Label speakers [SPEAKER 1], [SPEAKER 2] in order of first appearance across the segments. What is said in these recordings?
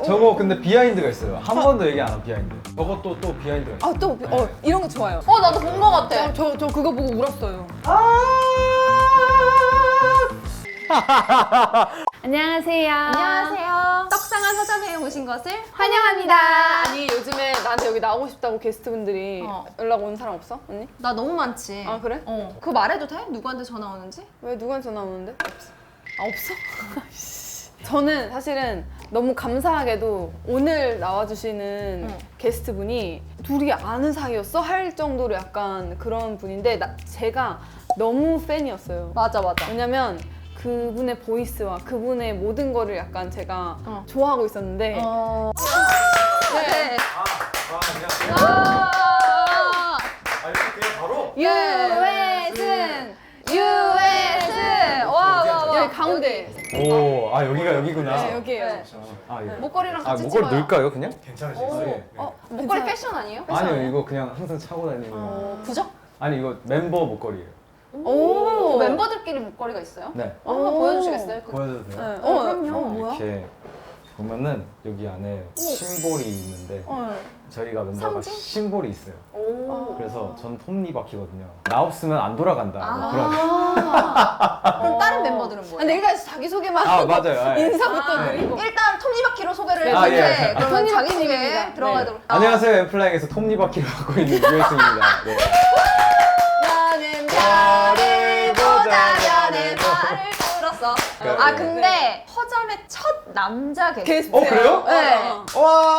[SPEAKER 1] 저거 근데 비하인드가 있어요. 한 번도 얘기 안 한 비하인드. 저것도 또 비하인드가 있어요.
[SPEAKER 2] 아, 또 이런 거 좋아요.
[SPEAKER 3] 나도 본 거 같아.
[SPEAKER 2] 저 그거 보고 울었어요. 안녕하세요.
[SPEAKER 3] 안녕하세요. 떡상한 서점에 오신 것을
[SPEAKER 2] 환영합니다.
[SPEAKER 3] 환영합니다.
[SPEAKER 2] 아니 요즘에 나한테 여기 나오고 싶다고 게스트분들이 연락 온 사람 없어? 언니?
[SPEAKER 3] 나 너무 많지.
[SPEAKER 2] 아 그래?
[SPEAKER 3] 그거 말해도 돼? 누구한테 전화 오는지?
[SPEAKER 2] 왜 누구한테 전화 오는데? 없어. 아 없어? 저는 사실은 너무 감사하게도 오늘 나와주시는 게스트분이 둘이 아는 사이였어? 할 정도로 약간 그런 분인데 제가 너무 팬이었어요.
[SPEAKER 3] 맞아.
[SPEAKER 2] 왜냐면 그분의 보이스와 그분의 모든 거를 약간 제가 좋아하고 있었는데
[SPEAKER 3] 네.
[SPEAKER 1] 안녕하세요.
[SPEAKER 3] 와.
[SPEAKER 1] 이렇게 그냥 바로?
[SPEAKER 3] 유해승. 와.
[SPEAKER 2] 여기 가운데.
[SPEAKER 1] 오, 여기가 여기구나.
[SPEAKER 2] 네, 여기에요.
[SPEAKER 3] 네.
[SPEAKER 1] 예.
[SPEAKER 3] 목걸이랑 같이
[SPEAKER 1] 목걸이
[SPEAKER 3] 찍어요.
[SPEAKER 1] 넣을까요, 그냥?
[SPEAKER 4] 괜찮으시겠어요?
[SPEAKER 3] 목걸이 패션 아니에요?
[SPEAKER 1] 아니요, 이거 그냥 항상 차고 다니는.
[SPEAKER 3] 부적?
[SPEAKER 1] 아니, 이거 멤버 목걸이에요.
[SPEAKER 2] 오.
[SPEAKER 3] 멤버들끼리 목걸이가 있어요?
[SPEAKER 1] 네.
[SPEAKER 3] 한번 보여주시겠어요?
[SPEAKER 1] 보여줘도 돼요?
[SPEAKER 2] 네.
[SPEAKER 3] 그럼요. 뭐야?
[SPEAKER 1] 이렇게 보면은 여기 안에 심볼이 있는데 저희가 멤버가
[SPEAKER 3] 상징?
[SPEAKER 1] 심볼이 있어요.
[SPEAKER 3] 오.
[SPEAKER 1] 그래서 전 톱니바퀴거든요. 나 없으면 안 돌아간다. 뭐 그런.
[SPEAKER 3] 그럼 다른 멤버들은 뭐예요?
[SPEAKER 2] 근데 일단 자기소개만
[SPEAKER 1] 아,
[SPEAKER 2] 하고
[SPEAKER 1] 맞아요. 예.
[SPEAKER 2] 인사부터 드리고
[SPEAKER 3] 일단 톱니바퀴로 소개를
[SPEAKER 2] 네.
[SPEAKER 3] 해주세요.
[SPEAKER 1] 예.
[SPEAKER 3] 그러면
[SPEAKER 2] 톱니바퀴입니다.
[SPEAKER 3] 자기소개 들어가도록.
[SPEAKER 1] 안녕하세요. 엠플라잉에서 톱니바퀴를 맡고 있는 유혜승입니다. 네.
[SPEAKER 3] 나는 별을 보자면에 말을 들었어. 아 근데 허점의 첫 남자 게스트.
[SPEAKER 2] 게스트예요.
[SPEAKER 1] 그래요?
[SPEAKER 3] 네.
[SPEAKER 1] 와!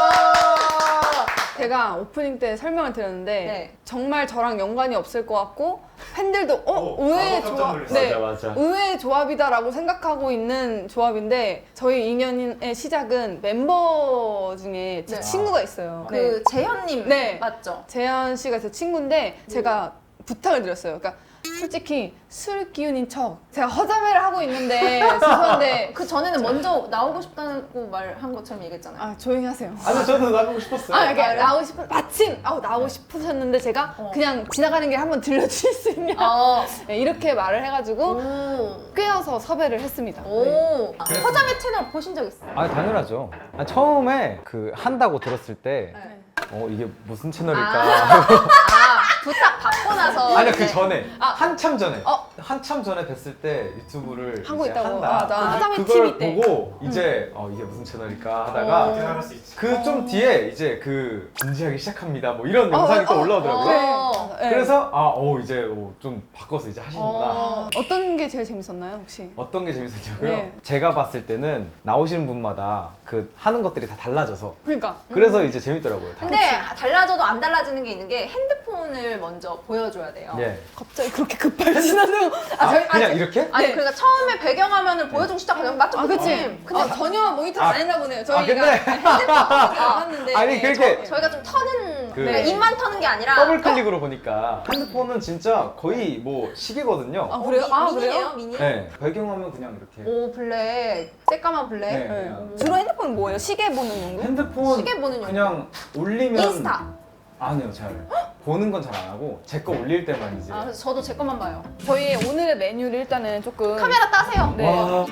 [SPEAKER 2] 제가 오프닝 때 설명을 드렸는데
[SPEAKER 3] 네.
[SPEAKER 2] 정말 저랑 연관이 없을 것 같고 팬들도 의외의
[SPEAKER 4] 깜짝
[SPEAKER 2] 조합,
[SPEAKER 4] 놀랐어요.
[SPEAKER 1] 맞아.
[SPEAKER 2] 의외의 조합이다라고 생각하고 있는 조합인데 저희 인연의 시작은 멤버 중에 제
[SPEAKER 3] 네.
[SPEAKER 2] 친구가 있어요.
[SPEAKER 3] 그 재현님
[SPEAKER 2] 네.
[SPEAKER 3] 맞죠?
[SPEAKER 2] 재현 씨가 제 친구인데 제가 부탁을 드렸어요. 그러니까 솔직히 술 기운인 척 제가 허자매를 하고 있는데 죄송한데
[SPEAKER 3] 그 전에는 먼저 나오고 싶다고 말한 것처럼 얘기했잖아요.
[SPEAKER 2] 아 조용히 하세요.
[SPEAKER 1] 아니, 저도 나가고 싶었어요.
[SPEAKER 2] 이렇게 나오고 싶은 마침 나오고 싶으셨는데 제가 그냥 지나가는 길에 한번 들려주실 수 있냐 네, 이렇게 말을 해가지고
[SPEAKER 3] 오.
[SPEAKER 2] 꿰어서 섭외를 했습니다. 네.
[SPEAKER 3] 오. 허점의 채널 보신 적 있어요?
[SPEAKER 1] 당연하죠. 처음에 한다고 들었을 때
[SPEAKER 3] 네.
[SPEAKER 1] 이게 무슨 채널일까?
[SPEAKER 3] 아 부탁 받고 나서.
[SPEAKER 1] 아니요, 그
[SPEAKER 3] 이제-
[SPEAKER 1] 전에 한참 전에 한참 전에 뵀을 때 유튜브를
[SPEAKER 2] 하고
[SPEAKER 1] 이제
[SPEAKER 2] 있다고.
[SPEAKER 1] 한다.
[SPEAKER 2] 나 화장의
[SPEAKER 1] 그걸
[SPEAKER 2] TV 때.
[SPEAKER 1] 보고 이제 이게 무슨 채널일까 하다가
[SPEAKER 4] 생각할 수 있지.
[SPEAKER 1] 그 좀 뒤에 이제 진지하기 시작합니다. 뭐 이런 영상이 또 올라오더라고요.
[SPEAKER 2] 네.
[SPEAKER 1] 그래서 이제 좀 바꿔서 이제 하시는구나.
[SPEAKER 2] 어떤 게 제일 재밌었나요 혹시?
[SPEAKER 1] 어떤 게 재밌었냐고요?
[SPEAKER 2] 네.
[SPEAKER 1] 제가 봤을 때는 나오시는 분마다 하는 것들이 다 달라져서
[SPEAKER 2] 그러니까
[SPEAKER 1] 그래서 이제 재밌더라고요. 다.
[SPEAKER 3] 근데 달라져도 안 달라지는 게 있는 게 핸드폰을 먼저 보여줘야 돼요.
[SPEAKER 1] 예.
[SPEAKER 2] 갑자기 그렇게 급발진하는
[SPEAKER 1] 그냥 이렇게?
[SPEAKER 3] 아니
[SPEAKER 2] 네.
[SPEAKER 3] 그러니까 처음에 배경화면을 보여주고 시작하면 맞죠?
[SPEAKER 2] 아 그치?
[SPEAKER 3] 그치? 근데
[SPEAKER 2] 전혀 모니터 안 했나 보네요. 저희가
[SPEAKER 1] 근데
[SPEAKER 2] 봤는데
[SPEAKER 1] 아니 그렇게
[SPEAKER 3] 저희가 좀 터는
[SPEAKER 1] 네.
[SPEAKER 3] 입만 터는 게 아니라
[SPEAKER 1] 더블 클릭으로 보니까 핸드폰은 진짜 거의 뭐 시계거든요.
[SPEAKER 2] 아 그래요?
[SPEAKER 3] 미니예요? 미니?
[SPEAKER 1] 네. 배경화면 그냥 이렇게.
[SPEAKER 3] 오 블랙 새까만 블랙
[SPEAKER 1] 네.
[SPEAKER 2] 네. 주로 핸드폰 뭐예요? 시계 보는 용도?
[SPEAKER 1] 핸드폰
[SPEAKER 3] 시계 보는 용도.
[SPEAKER 1] 그냥 올리면
[SPEAKER 3] 인스타
[SPEAKER 1] 아니요, 잘 보는 건 잘 안 하고 제 거 올릴 때만 이제.
[SPEAKER 3] 아 그래서 저도 제 것만 봐요.
[SPEAKER 2] 저희 오늘의 메뉴를 일단은 조금
[SPEAKER 3] 카메라 따세요.
[SPEAKER 2] 네.
[SPEAKER 1] 와.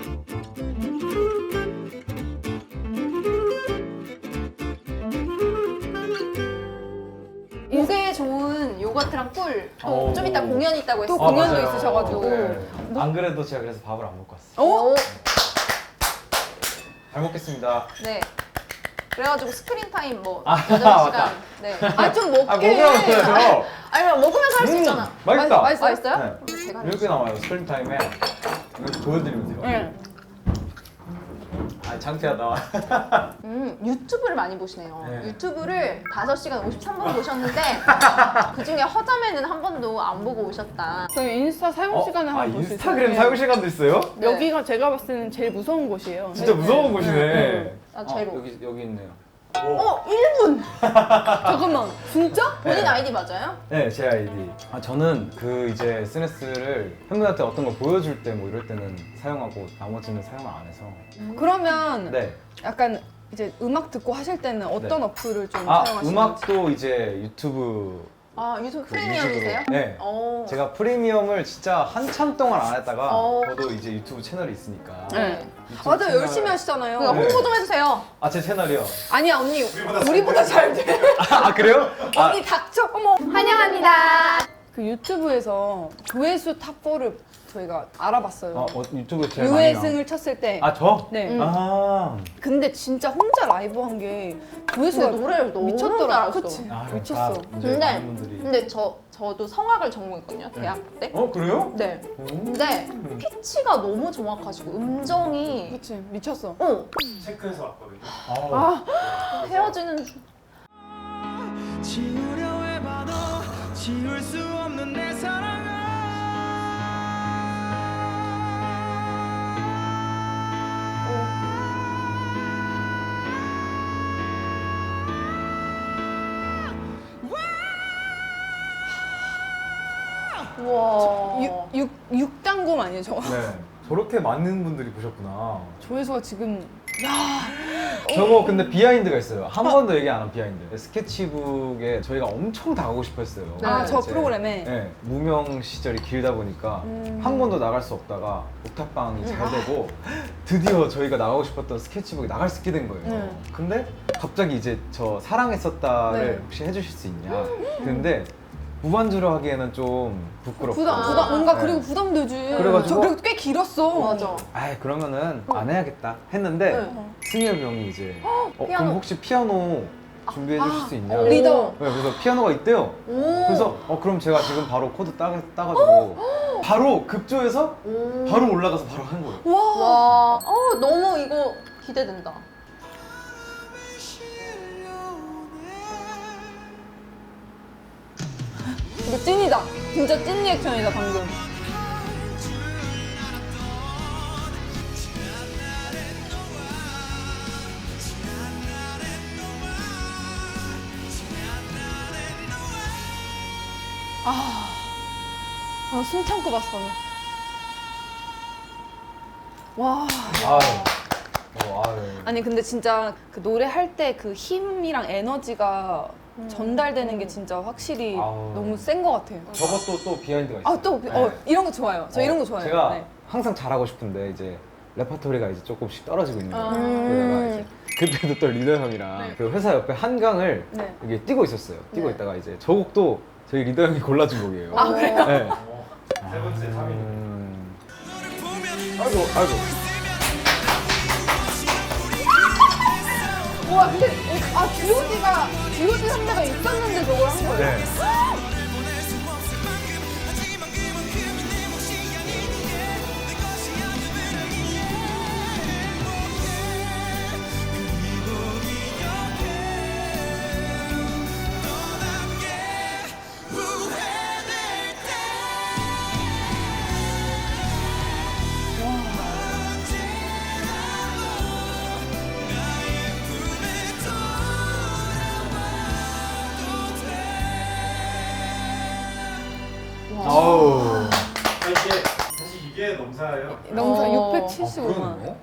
[SPEAKER 3] 목에 좋은 요거트랑 꿀. 또 좀
[SPEAKER 1] 오.
[SPEAKER 3] 이따 공연이 있다고 했어요.
[SPEAKER 2] 또 공연도
[SPEAKER 1] 맞아요.
[SPEAKER 2] 있으셔가지고.
[SPEAKER 1] 네. 안 그래도 제가 그래서 밥을 안 먹고 왔어요.
[SPEAKER 2] 어?
[SPEAKER 1] 잘 먹겠습니다.
[SPEAKER 3] 네. 그래가지고 스크린 타임 뭐
[SPEAKER 1] 아,
[SPEAKER 3] 8시간.
[SPEAKER 1] 맞다.
[SPEAKER 3] 네.
[SPEAKER 2] 좀 먹게.
[SPEAKER 1] 먹으라고요.
[SPEAKER 3] 아니 그냥 먹으면서 할 수 있잖아.
[SPEAKER 1] 맛있다.
[SPEAKER 3] 맛있어요?
[SPEAKER 1] 네.
[SPEAKER 3] 그럼 제가
[SPEAKER 1] 이렇게 나와요. 스크린 타임에 이렇게 보여드리면 돼요.
[SPEAKER 2] 네.
[SPEAKER 1] 창피하다.
[SPEAKER 3] 유튜브를 많이 보시네요.
[SPEAKER 1] 네.
[SPEAKER 3] 유튜브를 5시간 53분 보셨는데 그 중에 허점에는 한 번도 안 보고 오셨다.
[SPEAKER 2] 저희 인스타 사용 시간을 한번 볼 수 있어요.
[SPEAKER 1] 인스타그램 사용 시간도 있어요?
[SPEAKER 3] 네.
[SPEAKER 2] 여기가 제가 봤을 때는 제일 무서운 곳이에요.
[SPEAKER 1] 진짜 무서운
[SPEAKER 2] 네.
[SPEAKER 1] 곳이네.
[SPEAKER 3] 아, 제로.
[SPEAKER 1] 여기 있네요.
[SPEAKER 3] 1분!
[SPEAKER 2] 잠깐만, 진짜?
[SPEAKER 3] 본인
[SPEAKER 1] 네.
[SPEAKER 3] 아이디 맞아요?
[SPEAKER 1] 네, 제 아이디. 저는 이제 SNS를 팬분한테 어떤 걸 보여줄 때 뭐 이럴 때는 사용하고 나머지는 사용을 안 해서.
[SPEAKER 2] 그러면
[SPEAKER 1] 네.
[SPEAKER 2] 약간 이제 음악 듣고 하실 때는 어떤
[SPEAKER 1] 네.
[SPEAKER 2] 어플을 좀 사용하시는지?
[SPEAKER 1] 음악도 이제 유튜브
[SPEAKER 3] 아 유튜브
[SPEAKER 1] 그
[SPEAKER 3] 프리미엄이세요?
[SPEAKER 1] 유튜브로. 네.
[SPEAKER 3] 어.
[SPEAKER 1] 제가 프리미엄을 진짜 한참 동안 안 했다가
[SPEAKER 3] 어.
[SPEAKER 1] 저도 이제 유튜브 채널이 있으니까
[SPEAKER 2] 네.
[SPEAKER 1] 유튜브
[SPEAKER 2] 맞아
[SPEAKER 1] 채널-
[SPEAKER 2] 열심히 하시잖아요.
[SPEAKER 3] 그러니까
[SPEAKER 1] 네.
[SPEAKER 3] 홍보 좀 해주세요.
[SPEAKER 1] 아, 제 채널이요?
[SPEAKER 2] 아니야 언니 우리보다 잘 돼.
[SPEAKER 1] 아, 그래요? 아,
[SPEAKER 2] 언니 닥쳐. 어머.
[SPEAKER 3] 환영합니다.
[SPEAKER 2] 그 유튜브에서 조회수 탑4를 저희가 알아봤어요.
[SPEAKER 1] 유튜브에 제일 많이 나온.
[SPEAKER 2] 유해승을 쳤을 때.
[SPEAKER 1] 아, 저?
[SPEAKER 2] 네.
[SPEAKER 1] 아,
[SPEAKER 2] 근데 진짜 혼자 라이브 한 게 조회수가
[SPEAKER 3] 근데 노래를 너무
[SPEAKER 2] 미쳤더라.
[SPEAKER 3] 잘했어.
[SPEAKER 2] 그치?
[SPEAKER 1] 아,
[SPEAKER 2] 미쳤어.
[SPEAKER 1] 이제 많은 분들이.
[SPEAKER 3] 근데 저도 성악을 전공했거든요 대학교 때.
[SPEAKER 1] 그래요?
[SPEAKER 3] 네.
[SPEAKER 1] 오.
[SPEAKER 3] 근데 피치가 너무 정확하시고 음정이
[SPEAKER 2] 그치 미쳤어.
[SPEAKER 4] 체크해서 왔거든요.
[SPEAKER 1] 아,
[SPEAKER 3] 헤어지는
[SPEAKER 4] 지우려 해봐도 지울 수 없는 내 사랑아.
[SPEAKER 3] 우와.
[SPEAKER 2] 6단검 아니에요 저거?
[SPEAKER 1] 네. 저렇게 많은 분들이 보셨구나.
[SPEAKER 2] 조회수가 지금
[SPEAKER 1] 저거 근데 비하인드가 있어요. 한 번도 얘기 안 한 비하인드. 스케치북에 저희가 엄청 나가고 싶어 했어요.
[SPEAKER 3] 네.
[SPEAKER 2] 아 저
[SPEAKER 1] 이제,
[SPEAKER 2] 프로그램에
[SPEAKER 1] 네, 무명 시절이 길다 보니까 한 번도 나갈 수 없다가 옥탑방이 잘 되고 드디어 저희가 나가고 싶었던 스케치북이 나갈 수 있게 된 거예요. 근데 갑자기 이제 저 사랑했었다를
[SPEAKER 2] 네.
[SPEAKER 1] 혹시 해주실 수 있냐? 근데 무반주로 하기에는 좀 부끄럽고
[SPEAKER 2] 부담 뭔가
[SPEAKER 1] 네.
[SPEAKER 2] 그리고 부담되지.
[SPEAKER 1] 그래가지고-
[SPEAKER 2] 저 그리고 꽤 길었어.
[SPEAKER 3] 맞아.
[SPEAKER 1] 아이 그러면은 안 해야겠다 했는데
[SPEAKER 3] 네.
[SPEAKER 1] 승엽 형이 이제
[SPEAKER 3] 피아노.
[SPEAKER 1] 그럼 혹시 피아노 준비해 주실 수 있냐?
[SPEAKER 3] 오.
[SPEAKER 2] 리더.
[SPEAKER 1] 네, 그래서 피아노가 있대요.
[SPEAKER 3] 오.
[SPEAKER 1] 그래서 그럼 제가 지금 바로 코드 따가지고 바로 급조해서
[SPEAKER 3] 오.
[SPEAKER 1] 바로 올라가서 바로 한 거예요.
[SPEAKER 3] 와. 너무 이거 기대된다.
[SPEAKER 2] 이거 찐이다. 진짜 찐 리액션이다 방금. 숨 참고 봤어. 와.
[SPEAKER 1] 아유.
[SPEAKER 2] 아니 근데 진짜 그 노래 할 때 그 힘이랑 에너지가 전달되는 게 진짜 확실히
[SPEAKER 1] 아우.
[SPEAKER 2] 너무 센 것 같아요.
[SPEAKER 1] 저것도 또 비하인드가 있어요.
[SPEAKER 2] 아 또
[SPEAKER 1] 네.
[SPEAKER 2] 이런 거 좋아요. 저 이런 거 좋아해요.
[SPEAKER 1] 제가
[SPEAKER 2] 네.
[SPEAKER 1] 항상 잘하고 싶은데 이제 레퍼토리가 이제 조금씩 떨어지고 있는 거예요.
[SPEAKER 2] 음.
[SPEAKER 1] 그러다가 이제 그때도 또 리더 형이랑 그 회사 옆에 한강을
[SPEAKER 2] 네.
[SPEAKER 1] 이게 뛰고 있었어요. 뛰고
[SPEAKER 2] 네.
[SPEAKER 1] 있다가 이제 저 곡도 저희 리더 형이 골라준 곡이에요.
[SPEAKER 2] 아 그래요?
[SPEAKER 1] 네.
[SPEAKER 4] 세 번째 3위.
[SPEAKER 1] 아이고.
[SPEAKER 2] 와 근데 G.O.D 선배가 있었는데 저걸 한 거예요?
[SPEAKER 1] 네. 아우.
[SPEAKER 4] 사실 이게 넘사예요.
[SPEAKER 2] 명사
[SPEAKER 3] 어.
[SPEAKER 2] 675만.
[SPEAKER 1] 그러네요.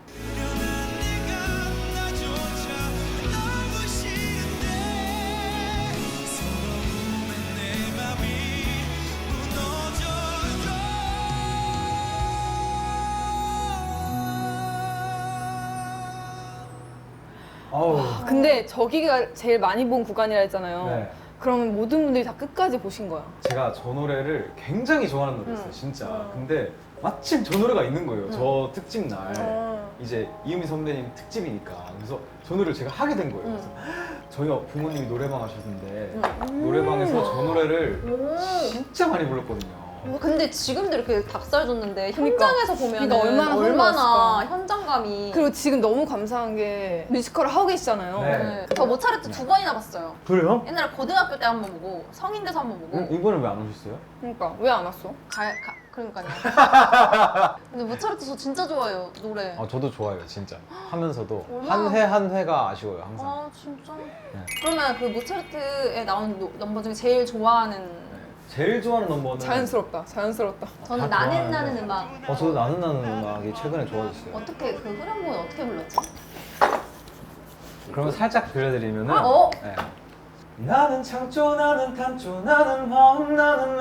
[SPEAKER 1] 아우.
[SPEAKER 2] 근데 저기가 제일 많이 본 구간이라 했잖아요.
[SPEAKER 1] 네.
[SPEAKER 2] 그러면 모든 분들이 다 끝까지 보신 거야.
[SPEAKER 1] 제가 저 노래를 굉장히 좋아하는 노래였어요, 진짜. 근데 마침 저 노래가 있는 거예요. 저 특집 날. 이제 이유미 선배님 특집이니까. 그래서 저 노래를 제가 하게 된 거예요. 그래서 저희 부모님이 노래방 하셨는데 노래방에서 저 노래를 진짜 많이 불렀거든요.
[SPEAKER 3] 근데 지금도 이렇게 닭살 줬는데
[SPEAKER 2] 그러니까.
[SPEAKER 3] 현장에서 보면
[SPEAKER 2] 그러니까 얼마나 흥분했을까.
[SPEAKER 3] 현장감이.
[SPEAKER 2] 그리고 지금 너무 감사한 게 뮤지컬을 하고 계시잖아요.
[SPEAKER 1] 네.
[SPEAKER 3] 네. 저 모차르트 2번이나 봤어요.
[SPEAKER 1] 그래요?
[SPEAKER 3] 옛날에 고등학교 때 한 번 보고 성인 돼서 한 번 보고.
[SPEAKER 1] 이번엔 왜 안 오셨어요?
[SPEAKER 2] 그러니까 왜 안 왔어?
[SPEAKER 3] 그러니까요. 근데 모차르트 저 진짜 좋아해요 노래.
[SPEAKER 1] 아, 저도 좋아요, 진짜. 하면서도
[SPEAKER 3] 얼마나-
[SPEAKER 1] 한 회 한 회가 아쉬워요, 항상.
[SPEAKER 3] 아 진짜. 그러면 그 모차르트에 나온 넘버 중에 제일 좋아하는.
[SPEAKER 1] 제일 좋아하는 넘버는
[SPEAKER 2] 자연스럽다.
[SPEAKER 3] 저는
[SPEAKER 1] 다
[SPEAKER 3] 나는
[SPEAKER 1] 좋아하는데.
[SPEAKER 3] 나는 음악.
[SPEAKER 1] 저도 나는 음악이 최근에 좋아졌어요.
[SPEAKER 3] 어떻게 그 후렴구는 어떻게 불렀지?
[SPEAKER 1] 그러면 살짝 들려드리면은
[SPEAKER 3] 어?
[SPEAKER 1] 네. 나는 창조 나는 탄조 나는 화음 나는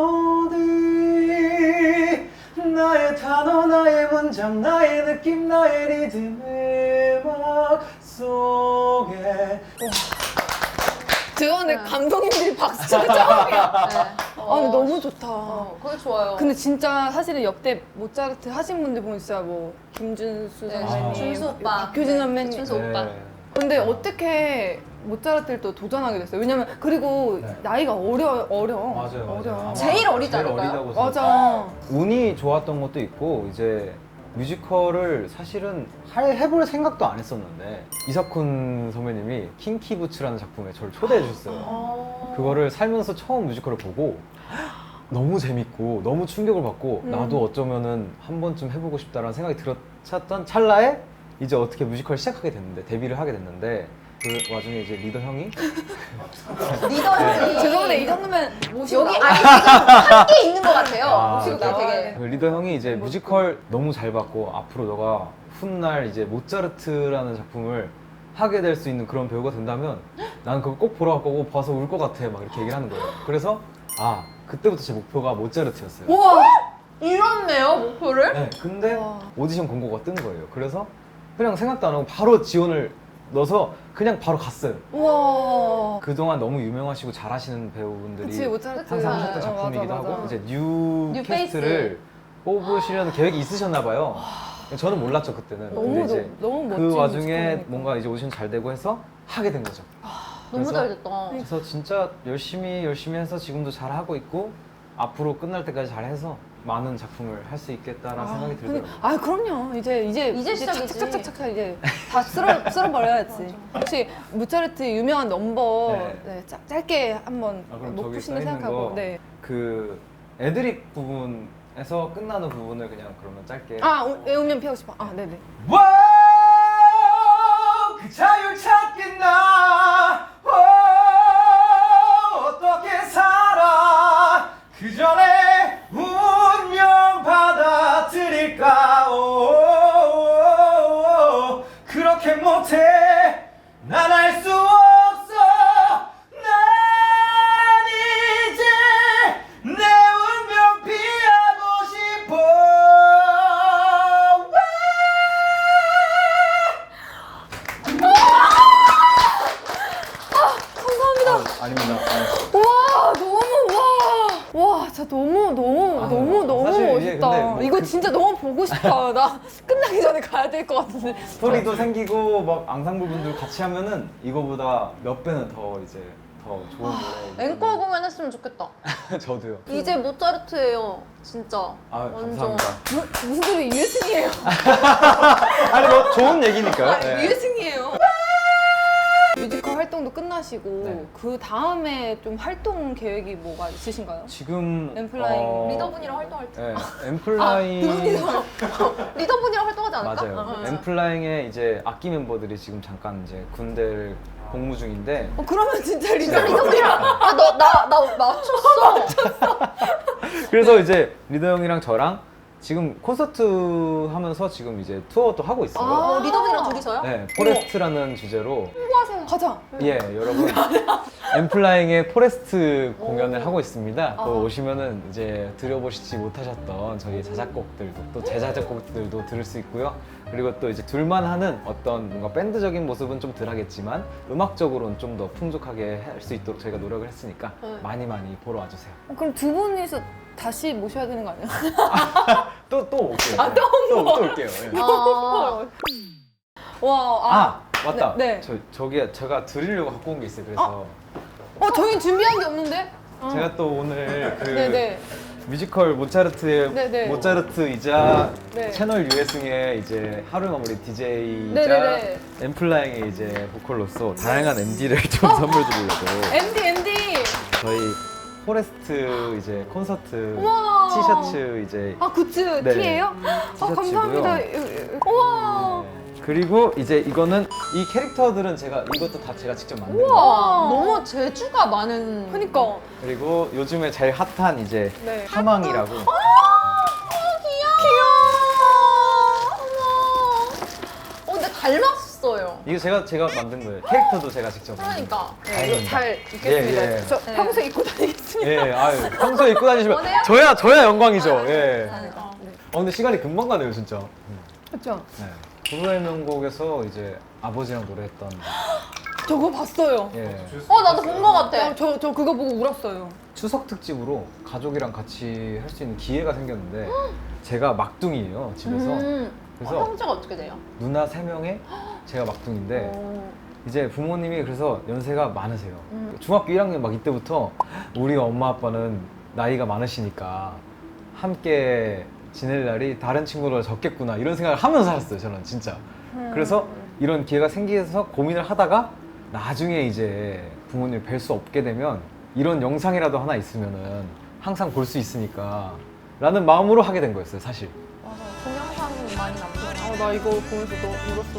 [SPEAKER 1] 멜로디 나의 단어 나의 문장 나의 느낌 나의 리듬의 음악 속에
[SPEAKER 2] 죄송한데 감독님들이 박수 쳐서 처음이야.
[SPEAKER 3] 네.
[SPEAKER 2] 아 근데 너무 좋다.
[SPEAKER 3] 그게 좋아요.
[SPEAKER 2] 근데 진짜 사실은 역대 모차르트 하신 분들 보면 진짜 뭐 김준수
[SPEAKER 3] 네,
[SPEAKER 2] 선배님,
[SPEAKER 3] 준수 오빠.
[SPEAKER 2] 박효진 선배님.
[SPEAKER 3] 준수 오빠.
[SPEAKER 2] 근데 어떻게 모차르트를 또 도전하게 됐어요? 왜냐면 그리고
[SPEAKER 1] 네.
[SPEAKER 2] 나이가 어려.
[SPEAKER 1] 맞아요.
[SPEAKER 2] 어려.
[SPEAKER 3] 제일 어리지
[SPEAKER 1] 제일
[SPEAKER 3] 않을까요?
[SPEAKER 1] 어리다고
[SPEAKER 2] 맞아.
[SPEAKER 1] 운이 좋았던 것도 있고 이제 뮤지컬을 사실은 해볼 생각도 안 했었는데 이석훈 선배님이 킹키부츠라는 작품에 저를 초대해 주셨어요. 그거를 살면서 처음 뮤지컬을 보고 너무 재밌고 너무 충격을 받고 나도 어쩌면은 한 번쯤 해보고 싶다라는 생각이 들었던 찰나에 이제 어떻게 뮤지컬 시작하게 됐는데 데뷔를 하게 됐는데 그 와중에 이제 리더 형이
[SPEAKER 3] 리더 형이
[SPEAKER 2] 죄송한데 이 정도면 모시고
[SPEAKER 3] 여기
[SPEAKER 2] 나와.
[SPEAKER 3] 아니 지금 함께 있는 것 같아요.
[SPEAKER 1] 아,
[SPEAKER 3] 모시고
[SPEAKER 1] 네.
[SPEAKER 3] 되게
[SPEAKER 1] 그 리더 형이 이제 뮤지컬 너무 잘 봤고 앞으로 너가 훗날 이제 모차르트라는 작품을 하게 될 수 있는 그런 배우가 된다면 나는 그걸 꼭 보러 갈 거고 봐서 울 것 같아 막 이렇게 얘기를 하는 거예요. 그래서 그때부터 제 목표가 모차르트였어요.
[SPEAKER 2] 우와.
[SPEAKER 3] 이렇네요 목표를.
[SPEAKER 1] 네, 근데
[SPEAKER 2] 와.
[SPEAKER 1] 오디션 공고가 뜬 거예요. 그래서 그냥 생각도 안 하고 바로 지원을 넣어서 그냥 바로 갔어요.
[SPEAKER 2] 우와.
[SPEAKER 1] 그동안 너무 유명하시고 잘하시는 배우분들이
[SPEAKER 2] 그치 모차르트
[SPEAKER 1] 항상 하셨던
[SPEAKER 2] 어,
[SPEAKER 1] 작품이기도
[SPEAKER 2] 맞아, 맞아.
[SPEAKER 1] 하고 이제 뉴
[SPEAKER 3] 뉴
[SPEAKER 1] 캐스트를 뽑으시려는 계획이 있으셨나 봐요. 저는 몰랐죠 그때는.
[SPEAKER 2] 너무
[SPEAKER 1] 근데 이제
[SPEAKER 2] 너무 멋진
[SPEAKER 1] 그 와중에
[SPEAKER 2] 뮤지컬이니까.
[SPEAKER 1] 뭔가 이제 오디션 잘 되고 해서 하게 된 거죠.
[SPEAKER 3] 너무
[SPEAKER 1] 그래서-
[SPEAKER 3] 잘 됐다.
[SPEAKER 1] 그래서 진짜 열심히 해서 지금도 잘 하고 있고 앞으로 끝날 때까지 잘 해서 많은 작품을 할 수 있겠다라는 생각이 들더라고요.
[SPEAKER 2] 그럼요. 이제
[SPEAKER 3] 시작이지.
[SPEAKER 2] 착착착착 이제 다 쓸어버려야지. 혹시 모차르트 유명한 넘버
[SPEAKER 1] 네.
[SPEAKER 2] 네, 짧게 한번
[SPEAKER 1] 그럼
[SPEAKER 2] 목표
[SPEAKER 1] 저기
[SPEAKER 2] 신을
[SPEAKER 1] 써 있는
[SPEAKER 2] 생각하고.
[SPEAKER 1] 거
[SPEAKER 2] 네.
[SPEAKER 1] 그 애드립 부분에서 끝나는 부분을 그냥 그러면 짧게.
[SPEAKER 2] 외우면 피하고 싶어. 네네.
[SPEAKER 1] 와우 그 자유 찾겠나 와우 어떻게 살아 그 전에 운명 받아들일까 오 그렇게 못해 난 알 수 없어 난 이제 내 운명 피하고 싶어
[SPEAKER 2] 감사합니다.
[SPEAKER 1] 아닙니다.
[SPEAKER 2] 와 너무 와 진짜 너무
[SPEAKER 1] 사실 이게
[SPEAKER 2] 멋있다.
[SPEAKER 1] 근데 뭐
[SPEAKER 2] 이거 진짜 너무 보고 싶다. 나 끝나기 전에 가야 될 것 같은데.
[SPEAKER 1] 스토리도 생기고 막 앙상블 분들 같이 하면은 이거보다 몇 배는 더 이제 더 좋은 노래.
[SPEAKER 3] 앵콜 공연했으면 좋겠다.
[SPEAKER 1] 저도요.
[SPEAKER 3] 이제 모차르트예요, 진짜.
[SPEAKER 1] 감사합니다.
[SPEAKER 2] 무슨 소리 유해승이에요.
[SPEAKER 1] 아니 뭐 좋은 얘기니까요. 네.
[SPEAKER 2] 유해승이에요. 뮤지컬 활동도 끝나시고
[SPEAKER 1] 네.
[SPEAKER 2] 그 다음에 좀 활동 계획이 뭐가 있으신가요?
[SPEAKER 1] 지금
[SPEAKER 2] 엠플라잉
[SPEAKER 3] 리더분이랑 활동할 때.
[SPEAKER 1] 네, 엠플라잉
[SPEAKER 3] 리더분이랑 활동하지 않을까?
[SPEAKER 1] 맞아요. 엠플라잉의 이제 악기 멤버들이 지금 잠깐 이제 군대를 복무 중인데
[SPEAKER 2] 그러면 진짜
[SPEAKER 3] 리더분이랑 나 맞췄어.
[SPEAKER 1] 그래서 이제 리더 형이랑 저랑 지금 콘서트 하면서 지금 이제 투어도 하고 있어요.
[SPEAKER 3] 리더분이랑 둘이서요?
[SPEAKER 1] 네, 포레스트라는 주제로
[SPEAKER 2] 가자.
[SPEAKER 1] 예, 여러분 엠플라잉의 포레스트 공연을 하고 있습니다. 또 오시면은 이제 들어보시지 못하셨던 저희 자작곡들도 또 제자작곡들도 들을 수 있고요. 그리고 또 이제 둘만 하는 어떤 뭔가 밴드적인 모습은 좀 덜하겠지만 음악적으로는 좀 더 풍족하게 할 수 있도록 저희가 노력을 했으니까 많이 보러 와주세요.
[SPEAKER 2] 그럼 두 분이서 다시 모셔야 되는 거 아니에요?
[SPEAKER 1] 또 올게요. 또 올게요. 예.
[SPEAKER 2] 와,
[SPEAKER 1] 맞다.
[SPEAKER 2] 네.
[SPEAKER 1] 저기 제가 드리려고 갖고 온 게 있어요. 그래서
[SPEAKER 2] 저희는 준비한 게 없는데?
[SPEAKER 1] 제가 또 오늘 그
[SPEAKER 2] 네네.
[SPEAKER 1] 뮤지컬 모차르트의
[SPEAKER 2] 네네.
[SPEAKER 1] 모차르트이자
[SPEAKER 2] 네.
[SPEAKER 1] 채널 유해승의 이제 하루 마무리 DJ이자
[SPEAKER 2] 네네네.
[SPEAKER 1] 엠플라잉의 이제 보컬로서 다양한 MD를 좀 선물 드리려고
[SPEAKER 2] MD.
[SPEAKER 1] 저희 포레스트 이제 콘서트
[SPEAKER 2] 우와.
[SPEAKER 1] 티셔츠 이제
[SPEAKER 2] 굿즈
[SPEAKER 1] 네.
[SPEAKER 2] 티예요?
[SPEAKER 1] 티셔츠고요.
[SPEAKER 2] 감사합니다. 우와.
[SPEAKER 1] 네. 그리고 이제 이거는 이 캐릭터들은 이것도 다 제가 직접 만든 거예요.
[SPEAKER 3] 우와, 너무 재주가 많은.
[SPEAKER 2] 그니까.
[SPEAKER 1] 그리고 요즘에 제일 핫한 이제
[SPEAKER 2] 네.
[SPEAKER 1] 하망이라고
[SPEAKER 3] 귀여워. 어머. 근데 닮았어요.
[SPEAKER 1] 이거 제가 만든 거예요. 캐릭터도 제가 직접 만든 거예요.
[SPEAKER 3] 그러니까.
[SPEAKER 2] 네, 이거 잘 입겠습니다.
[SPEAKER 1] 예, 예.
[SPEAKER 2] 저
[SPEAKER 3] 네.
[SPEAKER 2] 평소에 입고 다니겠습니다.
[SPEAKER 1] 예, 아유, 평소에 입고 다니시면
[SPEAKER 3] 원해요?
[SPEAKER 1] 저야 영광이죠. 예.
[SPEAKER 3] 감사합니다.
[SPEAKER 1] 근데 시간이 금방 가네요, 진짜.
[SPEAKER 2] 그렇죠.
[SPEAKER 1] 네. 부부의 명곡에서 이제 아버지랑 노래했던.
[SPEAKER 2] 저거 봤어요.
[SPEAKER 1] 예.
[SPEAKER 3] 나도 본 거 같아.
[SPEAKER 2] 저 그거 보고 울었어요.
[SPEAKER 1] 추석 특집으로 가족이랑 같이 할 수 있는 기회가 생겼는데 제가 막둥이에요, 집에서. 그래서
[SPEAKER 3] 형제가 어떻게 돼요?
[SPEAKER 1] 누나 3명에 제가 막둥인데 이제 부모님이 그래서 연세가 많으세요. 중학교 1학년 막 이때부터 우리 엄마 아빠는 나이가 많으시니까 함께 지낼 날이 다른 친구보다 적겠구나 이런 생각을 하면서 살았어요, 저는 진짜. 그래서 이런 기회가 생겨서 고민을 하다가 나중에 이제 부모님을 뵐 수 없게 되면 이런 영상이라도 하나 있으면은 항상 볼 수 있으니까 라는 마음으로 하게 된 거였어요, 사실.
[SPEAKER 3] 맞아. 동영상 많이 남겨.
[SPEAKER 2] 나 이거 보면서 너무 울었어.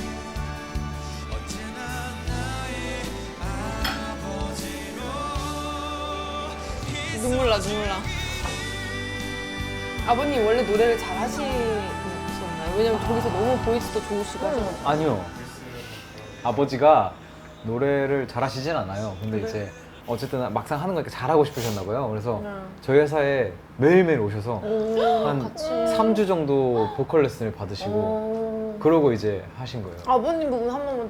[SPEAKER 2] 눈물 나. 아버님 원래 노래를 잘 하시셨나요? 왜냐면 저기서 너무 보이스도 좋으시고 하셔가지고.
[SPEAKER 1] 아니요. 아버지가 노래를 잘하시진 않아요. 근데 이제 어쨌든 막상 하는 거니까 잘하고 싶으셨나 봐요. 그래서 저희 회사에 매일매일 오셔서 한
[SPEAKER 3] 같이.
[SPEAKER 1] 3주 정도 보컬 레슨을 받으시고 그러고 이제 하신 거예요.
[SPEAKER 2] 아버님 부분 한 번만.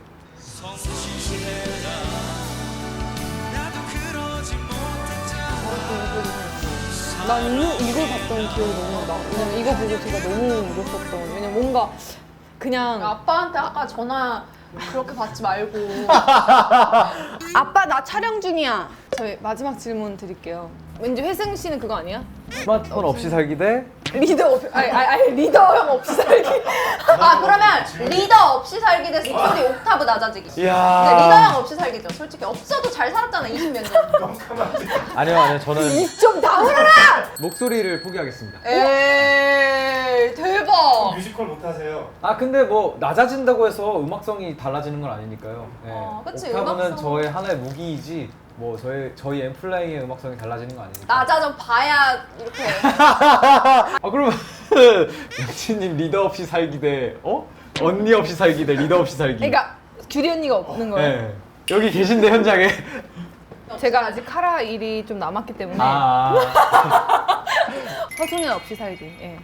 [SPEAKER 2] 난 이걸 봤던 기억이 너무 나. 왜냐면 이거 보고 제가 너무 울었었던. 왜냐면 뭔가 그냥
[SPEAKER 3] 아빠한테 아까 전화 그렇게 받지 말고.
[SPEAKER 2] 아빠 나 촬영 중이야. 저희 마지막 질문 드릴게요. 왠지 회승 씨는 그거 아니야?
[SPEAKER 1] 스마트폰 없이 살기 대
[SPEAKER 2] 리더 없이 아니 리더 형 없이 살기.
[SPEAKER 3] 그러면 리더 없이 살기 대 스토리 옥타브 낮아지기.
[SPEAKER 1] 이야.
[SPEAKER 3] 근데 리더 형 없이 살기죠. 솔직히 없어도 잘 살았잖아 20몇 년.
[SPEAKER 1] 아니요. 저는
[SPEAKER 2] 입좀 다물어라.
[SPEAKER 1] 목소리를 포기하겠습니다.
[SPEAKER 2] 에이 대박.
[SPEAKER 5] 뮤지컬 못하세요?
[SPEAKER 1] 근데 뭐 낮아진다고 해서 음악성이 달라지는 건 아니니까요. 네.
[SPEAKER 3] 그치,
[SPEAKER 1] 옥타브는
[SPEAKER 3] 음악성.
[SPEAKER 1] 저의 하나의 무기이지 뭐 저희 앰플라잉의 음악성이 달라지는 거 아니니까.
[SPEAKER 3] 낮아 좀 봐야 이렇게.
[SPEAKER 1] 그러면 영치님 리더 없이 살기 대 언니 없이 살기 대 리더 없이 살기.
[SPEAKER 2] 그러니까 규리 언니가 없는 거예요.
[SPEAKER 1] 네. 여기 계신데 현장에.
[SPEAKER 2] 제가 아직 카라 일이 좀 남았기 때문에 서준이 없이 살기. 예.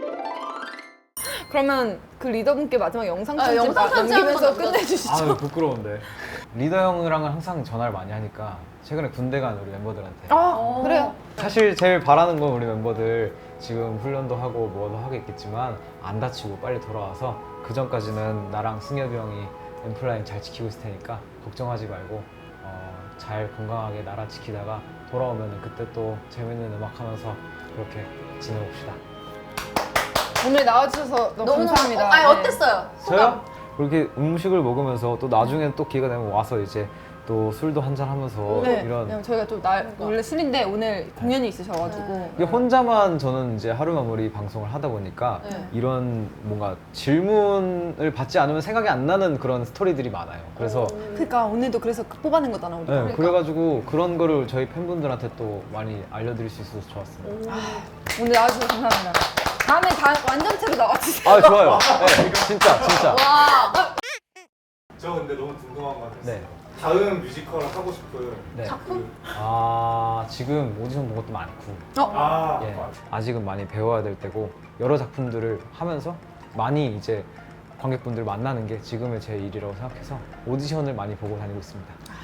[SPEAKER 2] 그러면 그 리더분께 마지막 영상 편집
[SPEAKER 3] 영상 편지
[SPEAKER 2] 남기면서
[SPEAKER 3] 한번
[SPEAKER 2] 끝내주시죠.
[SPEAKER 1] 부끄러운데. 리더 형이랑은 항상 전화를 많이 하니까 최근에 군대 간 우리 멤버들한테
[SPEAKER 2] 그래요?
[SPEAKER 1] 사실 제일 바라는 건 우리 멤버들 지금 훈련도 하고 뭐도 하겠지만 안 다치고 빨리 돌아와서 그 전까지는 나랑 승엽이 형이 엠플라잉 잘 지키고 있을 테니까 걱정하지 말고 잘 건강하게 나라 지키다가 돌아오면 그때 또 재밌는 음악 하면서 그렇게 지내봅시다.
[SPEAKER 2] 오늘 나와주셔서 너무 감사합니다.
[SPEAKER 3] 아니
[SPEAKER 2] 네.
[SPEAKER 3] 어땠어요?
[SPEAKER 1] 저요? 그렇게 음식을 먹으면서 또 나중에 또 기회가 되면 와서 이제 또 술도 한잔 하면서
[SPEAKER 2] 네.
[SPEAKER 1] 이런
[SPEAKER 2] 그냥 저희가 또 원래 술인데 오늘 공연이 있으셔가지고
[SPEAKER 1] 이게 혼자만 저는 이제 하루 마무리 방송을 하다 보니까
[SPEAKER 3] 네.
[SPEAKER 1] 이런 뭔가 질문을 받지 않으면 생각이 안 나는 그런 스토리들이 많아요. 그래서
[SPEAKER 2] 그러니까 오늘도 그래서 뽑아낸 거잖아 우리가.
[SPEAKER 1] 네, 그래가지고 그런 거를 저희 팬분들한테 또 많이 알려드릴 수 있어서 좋았습니다.
[SPEAKER 2] 오늘 나와주셔서 감사합니다. 다음에 완전체로 나와주세요.
[SPEAKER 1] 좋아요. 네, 진짜.
[SPEAKER 3] 와.
[SPEAKER 5] 저 근데 너무 궁금한 거 같았어요.
[SPEAKER 1] 네.
[SPEAKER 5] 다음 뮤지컬 하고 싶은
[SPEAKER 1] 네.
[SPEAKER 3] 작품?
[SPEAKER 1] 지금 오디션 본 것도 많고 예,
[SPEAKER 5] 맞아.
[SPEAKER 1] 아직은 많이 배워야 될 때고 여러 작품들을 하면서 많이 이제 관객분들 만나는 게 지금의 제 일이라고 생각해서 오디션을 많이 보고 다니고 있습니다.